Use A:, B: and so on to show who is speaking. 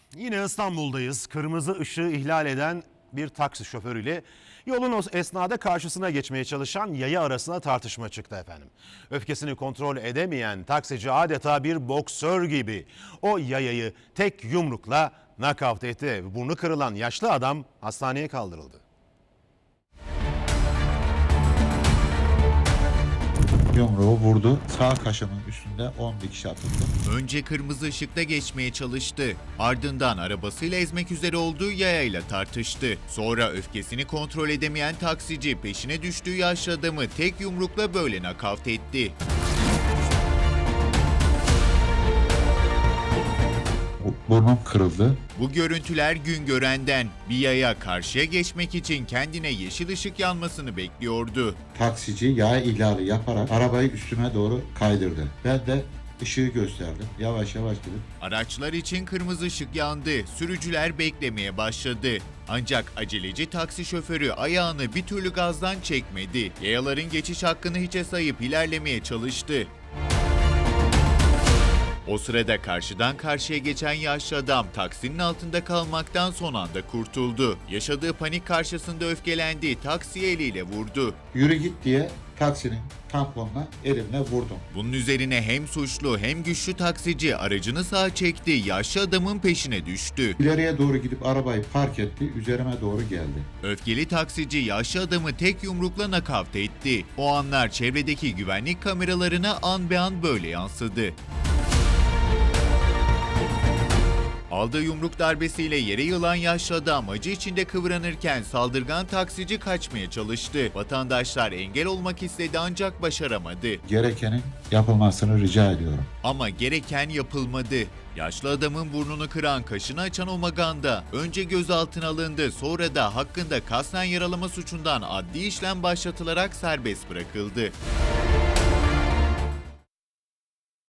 A: Yine İstanbul'dayız. Kırmızı ışığı ihlal eden bir taksi şoförüyle yolun o esnada karşısına geçmeye çalışan yaya arasında tartışma çıktı efendim. Öfkesini kontrol edemeyen taksici adeta bir boksör gibi o yayayı tek yumrukla nakavt etti. Burnu kırılan yaşlı adam hastaneye kaldırıldı.
B: Yumruğu vurdu. Sağ kaşımın üstünde 10 dikiş atıldı.
C: Önce kırmızı ışıkta geçmeye çalıştı. Ardından arabasıyla ezmek üzere olduğu yayayla tartıştı. Sonra öfkesini kontrol edemeyen taksici peşine düştüğü yaşlı adamı tek yumrukla böyle nakavt etti.
B: Burnum kırıldı.
C: Bu görüntüler Güngören'den. Bir yaya karşıya geçmek için kendine yeşil ışık yanmasını bekliyordu.
B: Taksici yaya ihlali yaparak arabayı üstüme doğru kaydırdı. Ben de ışığı gösterdim. Yavaş yavaş gidip
C: Araçlar için kırmızı ışık yandı. Sürücüler beklemeye başladı. Ancak aceleci taksi şoförü ayağını bir türlü gazdan çekmedi. Yayaların geçiş hakkını hiçe sayıp ilerlemeye çalıştı. O sırada karşıdan karşıya geçen yaşlı adam taksinin altında kalmaktan son anda kurtuldu. Yaşadığı panik karşısında öfkelendi, taksiye eliyle vurdu.
B: yürü git diye taksinin tamponuna elimle vurdum.
C: Bunun üzerine hem suçlu hem güçlü taksici aracını sağa çekti, yaşlı adamın peşine düştü.
B: İleriye doğru gidip arabayı park etti. Üzerime doğru geldi.
C: Öfkeli taksici yaşlı adamı tek yumrukla nakavt etti. O anlar çevredeki güvenlik kameralarına an be an böyle yansıdı. Aldığı yumruk darbesiyle yere yılan yaşlı adam acı içinde kıvranırken saldırgan taksici kaçmaya çalıştı. Vatandaşlar engel olmak istedi ancak başaramadı.
B: Gerekenin yapılmasını rica ediyorum.
C: Ama gereken yapılmadı. Yaşlı adamın burnunu kıran, kaşını açan o maganda önce gözaltına alındı, sonra da hakkında kasten yaralama suçundan adli işlem başlatılarak serbest bırakıldı.